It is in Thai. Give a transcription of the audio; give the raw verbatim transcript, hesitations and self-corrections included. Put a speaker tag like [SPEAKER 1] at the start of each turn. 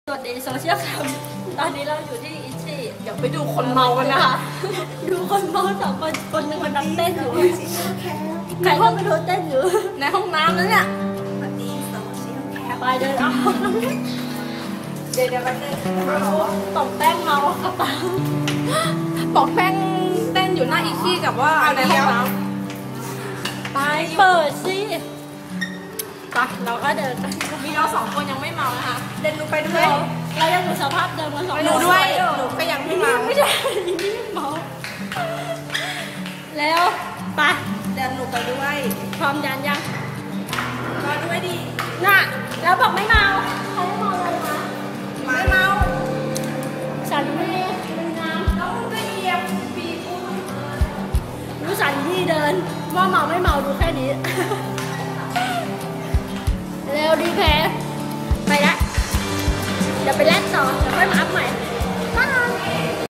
[SPEAKER 1] สวัสดีโซเชียลแคมตอนนี้เราอยู่ที่อิชิเดี๋ยวไปดูคนเมากันนะคะดูคนเมาสองคนคนหนึ่งมันดังเต้นอยู่ใครเข้าไปดูเต้นอยู่ในห้องน้ำแล้วเนี่ยสวัสดีโซเชียลแคมไปเดินเอาเดี๋ยวเดี๋ยวไปเต้นต่อมแป้งเมากระเป๋าต่อมแป้งเต้นอยู่หน้าอิชิกับว่าในห้องน้ำไปเปิดสิไปเราก็เดินมีเราสองคนยังไม่เมานะคะเดินดูไปด้วยเรายังอยู่สภาพเดิมกันสองคนหนูด้วยหนูก็ยังไม่เมาไม่ใช่ไม่เมาแล้วไปเดินหนูไปด้วยพร้อมยันยังมาด้วยดิน่ะแล้วบอกไม่เมาเขาไม่เมาเลยนะไม่เมาสันนี่ดูน้ำแล้วก็เหยียบปีกูดูสันนี่เดินว่าเมาไม่เมาดูแค่นี้เร็วดีแพ้ไปละเดี๋ยวไปแลกต่อเดี๋ยวค่อยมาอัพ